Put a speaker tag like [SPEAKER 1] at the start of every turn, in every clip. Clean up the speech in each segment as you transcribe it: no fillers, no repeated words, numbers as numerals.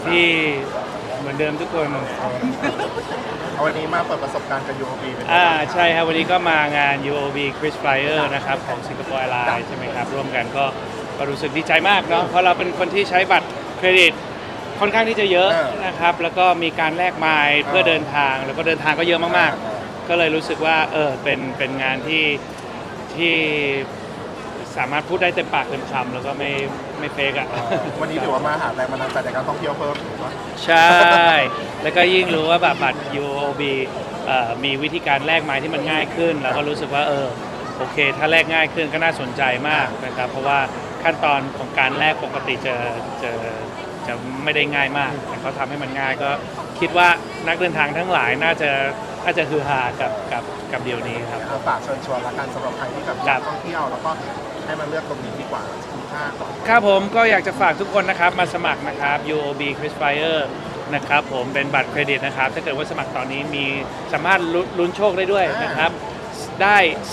[SPEAKER 1] พี่ๆเหมือนเดิมทุกคน
[SPEAKER 2] วันนี้มาเปิดประสบการณ์กับ UOB เป็น
[SPEAKER 1] ใช่ครับวันนี้ก็มางาน UOB Chris Flyer นะครับของสิงคโปร์แอร์ไลน์ใช่ไหมครับร่วมกันก็รู้สึกดีใจมากเนาะเพราะเราเป็นคนที่ใช้บัตรเครดิตค่อนข้างที่จะเยอะนะครับแล้วก็มีการแลกไมล์เพื่อเดินทางแล้วก็เดินทางก็เยอะมากๆก็เลยรู้สึกว่าเป็นงานที่สามารถพูดได้เต็มปากเต็มคำแล้วก็ไม่เฟกอ่ะ
[SPEAKER 2] วันนี้ถือว่ามาหาแรงบันดาลใจในการท่องเที่ยวเพิ่มถูกไหม
[SPEAKER 1] ใช่ แล้วก็ยิ่งรู้ว่าบัตร UOB มีวิธีการแลกไม้ที่มันง่ายขึ้นแล้วก็รู้สึกว่าโอเคถ้าแลกง่ายขึ้นก็น่าสนใจมากนะครับเพราะว่าขั้นตอนของการแลกปกติจะไม่ได้ง่ายมากแต่เขาทำให้มันง่ายก็คิดว่านักเดินทางทั้งหลายน่าจะฮือฮากับเดียวนี้ครับ
[SPEAKER 2] ฝากเชิญชวนละกันสำหรับใครที่แบบอยากท่องเที่ยวแล้วก็ให้มาเลือกตรงนี้ดีกว่าคุ้มค่า
[SPEAKER 1] ครับผมก็อยากจะฝากทุกคนนะครับมาสมัครนะครับ UOB Chris Flyer นะครับผมเป็นบัตรเครดิตนะครับถ้าเกิดว่าสมัครตอนนี้มีสามารถลุ้นโชคได้ด้วยนะครับได้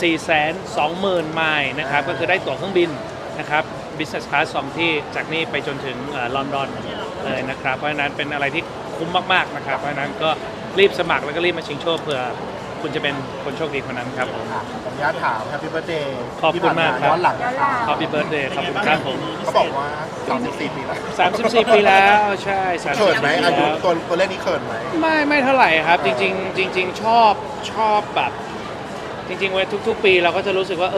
[SPEAKER 1] 420,000 ไมล์นะครับก็คือได้ตั๋วเครื่องบินนะครับ Business Class 2 ที่จากนี่ไปจนถึงลอนดอนเลยนะครับเพราะฉะนั้นเป็นอะไรที่คุ้มมากๆนะครับเพราะฉะนั้นก็รีบสมัครแล้วก็รีบมาชิงโชคเผื่อคุณจะเป็นคนโชคดีคนนั้นครับผม
[SPEAKER 2] ขออนุญาตถาม Happy Birthday
[SPEAKER 1] ขอบคุณมากครับ
[SPEAKER 2] ย้อนหลัง
[SPEAKER 1] Happy Birthday ขอบคุณครับผม
[SPEAKER 2] เขาบอกว่า34 ปีแล้ว
[SPEAKER 1] 34 ปีแล้วใช่
[SPEAKER 2] เขินไหมอายุตัวเลขนี้เขินไหม
[SPEAKER 1] ไม่เท่าไหร่ครับจริงชอบแบบจริงๆเว้ยทุกๆปีเราก็จะรู้สึกว่า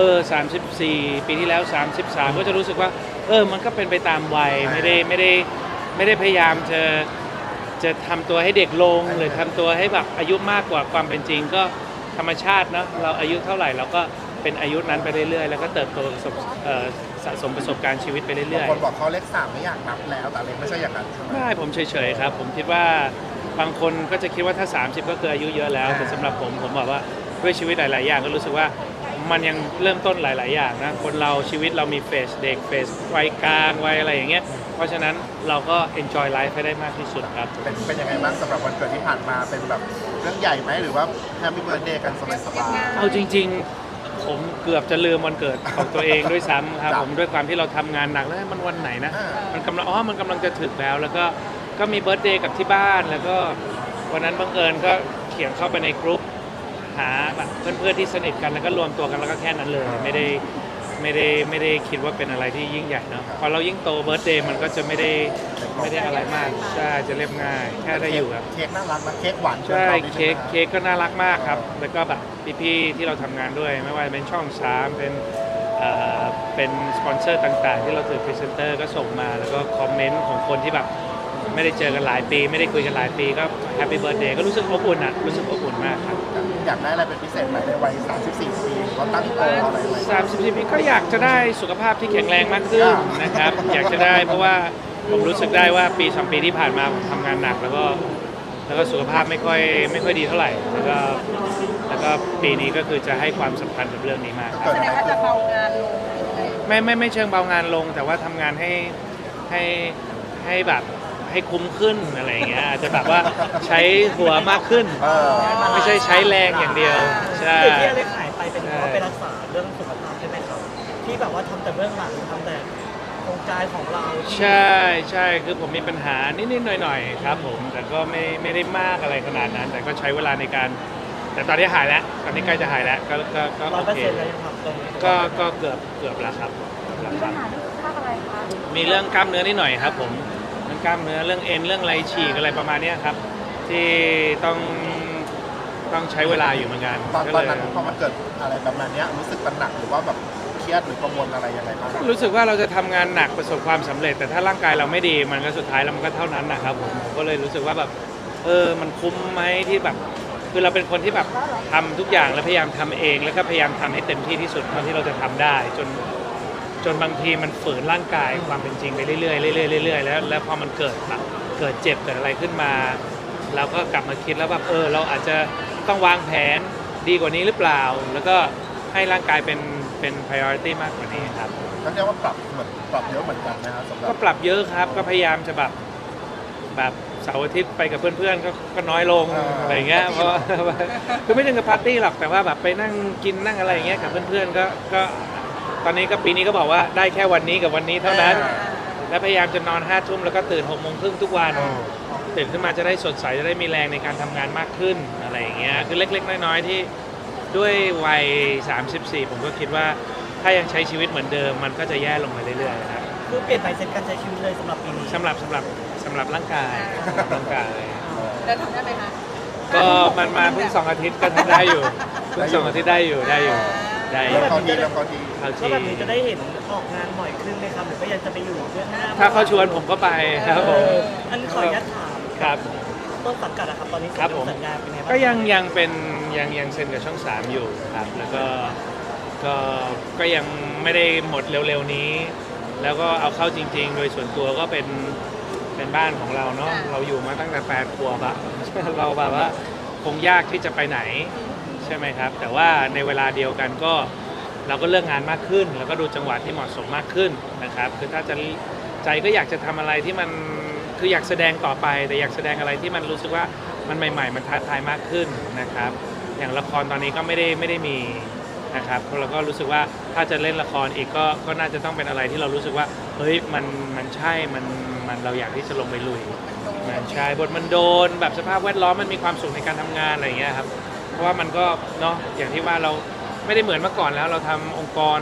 [SPEAKER 1] 34 ปีที่แล้ว33ก็จะรู้สึกว่ามันก็เป็นไปตามวัยไม่ได้พยายามจะทำตัวให้เด็กลงหรือทำตัวให้แบบอายุมากกว่าความเป็นจริงก็ธรรมชาติเนาะเราอายุเท่าไหร่เราก็เป็นอายุนั้นไปเรื่อยๆแล้วก็เติบโตสะสมประสบการณ์ชีวิตไปเรื่อย
[SPEAKER 2] ๆคนบอกเขาเลข3ไม่อยากนับแล้วแต่เลขไม่ใช่อย่างนั้น
[SPEAKER 1] ไม่ผมเฉยๆครับผมคิดว่าบางคนก็จะคิดว่าถ้า30ก็คืออายุเยอะแล้วแต่สำหรับผมบอกว่าด้วยชีวิตหลายๆอย่างก็รู้สึกว่ามันยังเริ่มต้นหลายๆอย่างนะคนเราชีวิตเรามีเฟสเด็กเฟสวัยกลางวัยอะไรอย่างเงี้ยเพราะฉะนั้นเราก็ enjoy life ให้ได้มากที่สุดครับ
[SPEAKER 2] เป็นยังไงบ้างสำหรับวันเกิดที่ผ่านมาเป็นแบบเรื่องใหญ่ไหมหรือว่า Happy Birthday กันสบาย
[SPEAKER 1] ๆเอาจริงๆผมเกือบจะลืมวันเกิดของตัวเองด้วยซ้ำครับผมด้วยความที่เราทำงานหนักแล้วมันวันไหนนะมันกำลังจะถึงแล้วก็มีเบิร์ธเดย์กับที่บ้านแล้วก็วันนั้นบังเอิญก็เขียนเข้าไปในกรุ๊ปหาแบบเพื่อนๆที่สนิทกันแล้วก็รวมตัวกันแล้วก็แค่นั้นเลยไม่ได้คิดว่าเป็นอะไรที่ยิ่งใหญ่เนาะพอเรายิ่งโตเบิร์ธเดย์มันก็จะไม่ได้อะไรมากใช่จะเรียบง่ายแค่ได้อยู่ครับ
[SPEAKER 2] เค้กน่ารักนะเค้กหวาน
[SPEAKER 1] ใช่เค้กก็น่ารักมากครับแล้วก็แบบพี่ๆที่เราทำงานด้วยไม่ว่าจะเป็นช่อง3เป็นสปอนเซอร์ต่างๆที่เราถือพรีเซนเตอร์ก็ส่งมาแล้วก็คอมเมนต์ของคนที่แบบไม่ได้เจอกันหลายปีไม่ได้คุยกันหลายปีก็แฮปปี้เบิร์ธเดย์ก็รู้สึกอบอุ่นอ่ะรู้สึกอบอุ่นมากครับ
[SPEAKER 2] อยากได้อะไรเป็นพิเศษไหมในวัย34 ปีก็ตั้งโตอะไรไหม
[SPEAKER 1] 34 ปีก็อยากจะได้สุขภาพที่แข็งแรงมากขึ้นนะครับอยากจะได้เพราะว่าผมรู้สึกได้ว่าปี2 ปีที่ผ่านมาผมทำงานหนักแล้วก็สุขภาพไม่ค่อยดีเท่าไหร่แล้วก็ปีนี้ก็คือจะให้ความสำคัญกับเรื่องนี้มาก
[SPEAKER 3] แสดงว่าจะเบางานลง
[SPEAKER 1] ไม่เชิงเบางานลงแต่ว่าทำงานให้แบบให้คุ้มขึ้นอะไรอย่างเงี้ยอาจจะแบบว่าใช้หัวมากขึ้นไม่ใช่ใช้แรงอย่างเดียวใช่
[SPEAKER 4] ที่ได้ขายไปเป็นเพราะไปรักษาเรื่องสุขภาพใช่ไหมครับที่แบบว่าทำแต่เบื้องหลังทำแต่โครงการของเรา
[SPEAKER 1] ใช่คือผมมีปัญหานิดๆหน่อยๆครับผมแต่ก็ไม่ได้มากอะไรขนาดนั้นแต่ก็ใช้เวลาในการแต่ตอนนี้หายแล้วตอนนี้ใกล้จะหายแล้วก็โอเคก็เกือบแล้วครับ
[SPEAKER 3] มีปัญหาเรื่องสุขภาพอะไรคะ
[SPEAKER 1] มีเรื่องกล้ามเนื้อนิดหน่อยครับผมเรื่องกล้ามเนื้อเรื่องเอ็นเรื่องไรฉีกอะไรประมาณนี้ครับที่ต้องใช้เวลาอยู่เหมือนกัน
[SPEAKER 2] ตอนนั้นพอมันเกิดอะไรแบบนี้รู้สึกหนักหรือว่าแบบเครียดหรือกังวลอะไรยังไงบ้าง
[SPEAKER 1] รู้สึกว่าเราจะทำงานหนักประสบความสำเร็จแต่ถ้าร่างกายเราไม่ดีมันก็สุดท้ายแล้วมันก็เท่านั้นนะครับผมก็เลยรู้สึกว่าแบบมันคุ้มไหมที่แบบคือเราเป็นคนที่แบบทำทุกอย่างแล้วพยายามทำเองแล้วก็พยายามทำให้เต็มที่ที่สุดเท่าที่เราจะทำได้จนบางทีมันฝืนร่างกายความเป็นจริงไปเรื่อยๆแล้วพอมันเกิดเจ็บเกิดอะไรขึ้นมาเราก็กลับมาคิดแล้วแบบเราอาจจะต้องวางแผนดีกว่านี้หรือเปล่าแล้วก็ให้ร่างกายเป็น priority มากกว่านี้ครับ
[SPEAKER 2] ก็เรียกว่าปรับเยอะเหมือนกันนะครับสำหรับ
[SPEAKER 1] ก็ปรับเยอะครับก็พยายามจะแบบเสาร์อาทิตย์ไปกับเพื่อนๆก็น้อยลงอะไรเงี้ยเพราะคือไม่ถึงกับปาร์ตี้หรอกแต่ว่าแบบไปนั่งกินนั่งอะไรอย่างเงี้ยกับเพื่อนๆก็ตอนนี้ก็ปีนี้ก็บอกว่าได้แค่วันนี้กับวันนี้เท่านั้นและพยายามจะนอน5 ทุ่มแล้วก็ตื่น6 โมงครึ่งทุกวัน ตื่นขึ้นมาจะได้สดใสจะได้มีแรงในการทำงานมากขึ้นอะไรอย่างเงี้ยคือเล็กๆน้อยๆที่ด้วยวัย34ผมก็คิดว่าถ้ายังใช้ชีวิตเหมือนเดิมมันก็จะแย่ลงไปเรื่อยๆครับ
[SPEAKER 4] คือเปลี่ยนไปเซ็ตการใช้ชีวิตเลยสำหรับปีนี้
[SPEAKER 1] สำหรับร่างกาย
[SPEAKER 3] แล้วทำได้ไหมคะ
[SPEAKER 1] ก็มันมาเพิ่ง2 อาทิตย์ก็ทำได้อยู่เพิ่ง2 อาทิตย์ได้อยู่ได้อยู่
[SPEAKER 2] แล้วเขาดีแล้วเขาดี
[SPEAKER 1] เข้า
[SPEAKER 4] ก็
[SPEAKER 1] ที่
[SPEAKER 4] แบบนี้จะได้เห็นออกงานบ่อยขึ้นไหมครับหรือก็ยังจะไปอยู่เบื้องหน้า
[SPEAKER 1] ถ้าเขาชวนผมก็ไปครับผม
[SPEAKER 4] อันขออนุญาตถาม
[SPEAKER 1] ครับ
[SPEAKER 4] ต้นสังกัดอะครับตอนนี้
[SPEAKER 1] ครับผม
[SPEAKER 4] สัญญาเป็นไงบ้าง
[SPEAKER 1] ก็ยังเป็นยังเซ็นกับช่อง 3อยู่ครับแล้วก็ยังไม่ได้หมดเร็วๆนี้ แล้วก็เอาเข้าจริงๆ โดยส่วนตัวก็เป็นบ้านของเราเนาะเราอยู่มาตั้งแต่8 ขวบอะ เราแบบว่าคงยากที่จะไปไหนใช่ไหมครับแต่ว่าในเวลาเดียวกันก็เราก็เลือกงานมากขึ้น แล้วก็ดูจังหวะที่เหมาะสมมากขึ้นนะครับคือถ้าจะใจก็อยากจะทำอะไรที่มันคืออยากแสดงต่อไปแต่อยากแสดงอะไรที่มันรู้สึกว่ามันใหม่ๆมันท้าทายมากขึ้นนะครับอย่างละครตอนนี้ก็ไม่ได้มีนะครับเราก็รู้สึกว่าถ้าจะเล่นละครอีกก็น่าจะต้องเป็นอะไรที่เรารู้สึกว่าเฮ้ยมันใช่มันเราอยากที่จะลงไปลุยมันใช่บทมันโดนแบบสภาพแวดล้อมมันมีความสุขในการทำงานอะไรอย่างเงี้ยครับเพราะว่ามันก็เนาะอย่างที่ว่าเราไม่ได้เหมือนเมื่อก่อนแล้วเราทำองค์กร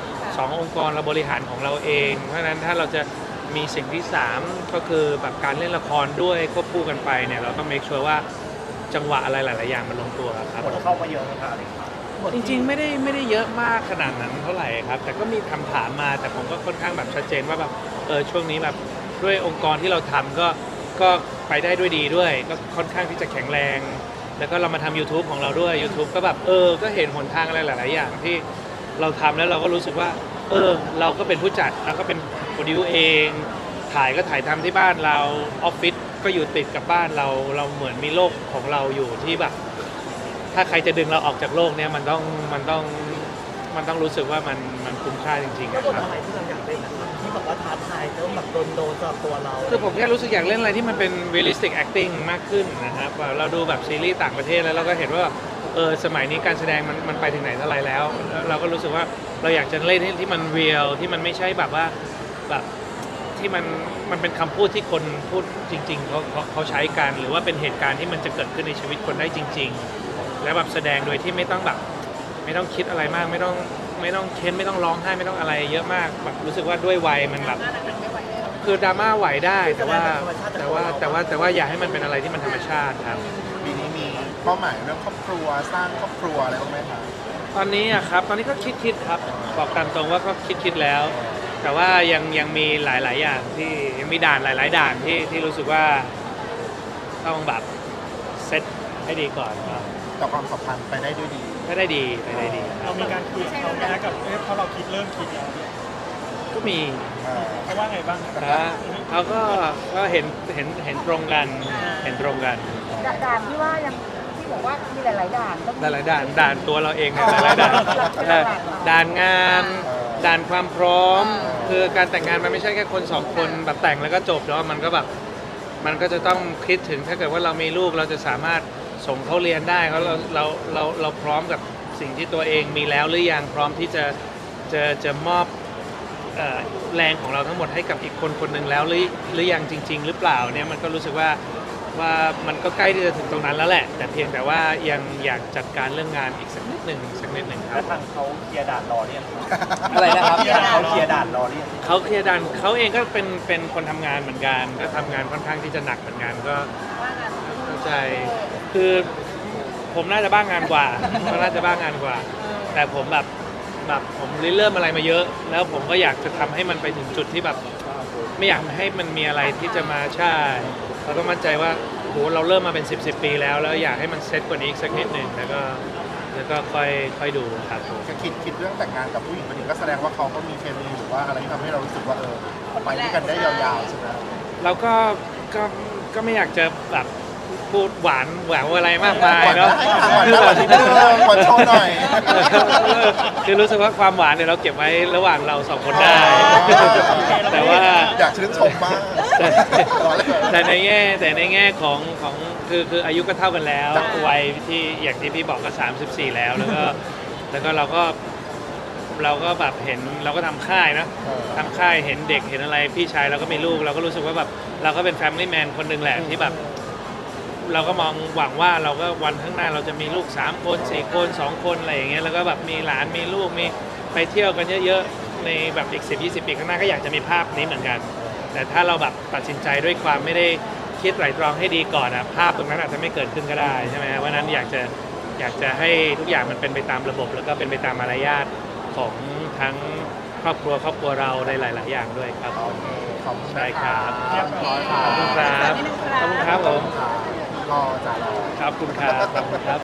[SPEAKER 1] 2 องค์กรเราบริหารของเราเองเพราะฉะนั้นถ้าเราจะมีสิ่งที่3ก็คือแบบการเล่นละครด้วยควบคู่กันไปเนี่ยเราต้อง make sure ว่าจังหวะอะไรหลายๆอย่างมันลงตัวครับ
[SPEAKER 4] หมดเข้ามาเยอะนะครับ
[SPEAKER 1] จริงๆไม่ได้เยอะมากขนาดนั้นเท่าไหร่ครับแต่ก็มีถามมาแต่ผมก็ค่อนข้างแบบชัดเจนว่าแบบช่วงนี้แบบด้วยองค์กรที่เราทำก็ไปได้ด้วยดีด้วยก็ค่อนข้างที่จะแข็งแรงแล้วก็เรามาทำ YouTube ของเราด้วย YouTube ก็แบบก็เห็นหนทางอะไรหลายๆอย่างที่เราทำแล้วเราก็รู้สึกว่าเราก็เป็นผู้จัดแล้วก็เป็นโปรดิวเองถ่ายก็ถ่ายทำที่บ้านเราออฟฟิศก็อยู่ติดกับบ้านเราเหมือนมีโลกของเราอยู่ที่แบบถ้าใครจะดึงเราออกจากโลกเนี้ยมันต้องรู้สึกว่ามันคุ้มค่าจริงๆ
[SPEAKER 4] ก็
[SPEAKER 1] นะ
[SPEAKER 4] บท
[SPEAKER 1] ครับ
[SPEAKER 4] อะไรที่เราอยากเล่นนะครับที่บอกว่าท้าทายแล้วแบบโดนสำหรับตัวเรา
[SPEAKER 1] คือผมแค่รู้สึกอยากเล่นอะไรที่มันเป็น realistic acting มากขึ้นนะครับเราดูแบบซีรีส์ต่างประเทศแล้วเราก็เห็นว่าสมัยนี้การแสดงมันไปถึงไหนเท่าไหร่แล้วเราก็รู้สึกว่าเราอยากจะเล่นที่มัน real ที่มันไม่ใช่แบบว่าแบบที่มันเป็นคำพูดที่คนพูดจริงๆเขาใช้กันหรือว่าเป็นเหตุการณ์ที่มันจะเกิดขึ้นในชีวิตคนได้จริงๆและแบบแสดงโดยที่ไม่ต้องแบบไม่ต้องคิดอะไรมากไม่ต้องเค้นไม่ต้องร้องไห้ไม่ต้องอะไรเยอะมากแบบรู้สึกว่าด้วยวัยมันแบบคือดราม่าไหวได้แต่ว่าอย่าให้มันเป็นอะไรที่มันธรรมชาติครับ
[SPEAKER 2] ปีนี้มีเป้าหมายเรื่องครอบครัวสร้างครอบครัวอะไรบ้างไหมคะ
[SPEAKER 1] ตอนนี้อะครับตอนนี้ก็คิดครับบอกตามตรงว่าก็คิดแล้ว แต่ว่ายังมีหลายอย่างที่ยังมีด่านหลายๆด่านที่รู้สึกว่าต้องแบบเซตให้ดีก่อนครับ
[SPEAKER 2] ต่อความสัมพันธ์ไปได้ด้วยดี
[SPEAKER 1] ถ้าได้ดีไปได้ดี
[SPEAKER 4] เรามีการคุยเขาแม้กับเพราะเราเริ่มคิดแล้ว
[SPEAKER 1] ก็มี
[SPEAKER 4] เขาว่าไงบ้าง
[SPEAKER 1] นะเขาก็เห็นตรงกันเห็นตรงกัน
[SPEAKER 3] ด่านที่ว่ายังที่บอกว่ามีหลายๆด่านต้อง
[SPEAKER 1] หลายๆด่านตัวเราเองเนี่ยหลายๆด่านด่านงานด่านความพร้อมคือการแต่งงานมันไม่ใช่แค่คน2 คนแบบแต่งแล้วก็จบแล้วมันก็แบบมันก็จะต้องคิดถึงถ้าเกิดว่าเรามีลูกเราจะสามารถส่งเขาเรียนได้เราพร้อมกับสิ่งที่ตัวเองมีแล้วหรือยังพร้อมที่จะมอบแรงของเราทั้งหมดให้กับอีกคนหนึ่งแล้วหรือยังจริง ๆ หรือเปล่าเนี่ยมันก็รู้สึกว่ามันก็ใกล้ที่จะถึงตรงนั้นแล้วแหละแต่เพียงแต่ว่ายังอยากจัดการเรื่องงานอีกสักนิดหนึ่งครับ
[SPEAKER 4] ทางเขาเคลียร์ด่านรอเนี่ย
[SPEAKER 1] อะไรนะครับ
[SPEAKER 4] เขาเคลียร์ด่านรอเนี่ย
[SPEAKER 1] เขาเคลียร์ดันเขาเองก็เป็นคนทำงานเหมือนกันก็ทำงานค่อนข้างที่จะหนักเหมือนกันก็เข้าใจคือผมน่าจะบ้างงานกว่าก็น่าจะบ้างงานกว่า แต่ผมแบบผมเริ่มอะไรมาเยอะ แล้วผมก็อยากจะทำให้มันไปถึงจุดที่แบบไม่อยากให้มันมีอะไรที่จะมาใช่เราก็มั่นใจว่าโหเราเริ่มมาเป็น10 ปีแล้วอยากให้มันเซ็ตกว่านี้อีกสักนิดหนึ่งแล้วก็ค่อยดูครับผม
[SPEAKER 2] จะคิดเรื่องแต่งงานกับผู้หญิงคนนี้ก็แสดงว่าเขาก็มีเคมีหรือว่าอะไรที่ทำให้เรารู้สึกว่าไปด้วยกันได้ยาวๆใช่ไหม
[SPEAKER 1] เราก็ไม่อยากจะแบบพูดหวานอะไรมากมายเนาะ
[SPEAKER 2] หวานโชว์หน่อย
[SPEAKER 1] คือรู้สึกว่าความหวานเนี่ยเราเก็บไว้ระหว่างเรา2 คนได้ แต่ว่า
[SPEAKER 2] อยากชื่นชมมาก
[SPEAKER 1] แต่ในแง่ของคืออายุก็เท่ากันแล้ววัยที่อย่างที่พี่บอกก็34แล้วก็เราก็เราก็แบบเห็นเราก็ทำค่ายนะ ทำค่ายเห็นเด็กเห็นอะไรพี่ชายเราก็มีลูกเราก็รู้สึกว่าแบบเราก็เป็นแฟมิลี่แมนคนหนึ่งแหละที่แบบเราก็มองหวังว่าเราก็วันข้างหน้าเราจะมีลูก3คน4คน2คนอะไรอย่างเงี้ยแล้วก็แบบมีหลานมีลูกมีไปเที่ยวกันเยอะๆในแบบอีก10-20 ปีข้างหน้าก็อยากจะมีภาพนี้เหมือนกัน แต่ถ้าเราแบบตัดสินใจด้วยความไม่ได้คิดไตร่ตรองให้ดีก่อนอะภาพตรงนั้นอาจจะไม่เกิดขึ้นก็ได้ใช่ไหมเพราะฉะนั้นอยากจะให้ทุกอย่างมันเป็นไปตามระบบ แล้วก็เป็นไปตามมารยาทของทั้งครอบครัวเราในหลาย ๆ อย่างด้วยครับ
[SPEAKER 2] โอเคขอบคุณ
[SPEAKER 1] ใช่ครับ
[SPEAKER 2] เรียบร้อยค่ะ
[SPEAKER 1] ขอบคุณครับขอบคุณครับผม
[SPEAKER 2] รอจ่ารอ
[SPEAKER 1] ขอบคุณครับขอบคุณครับ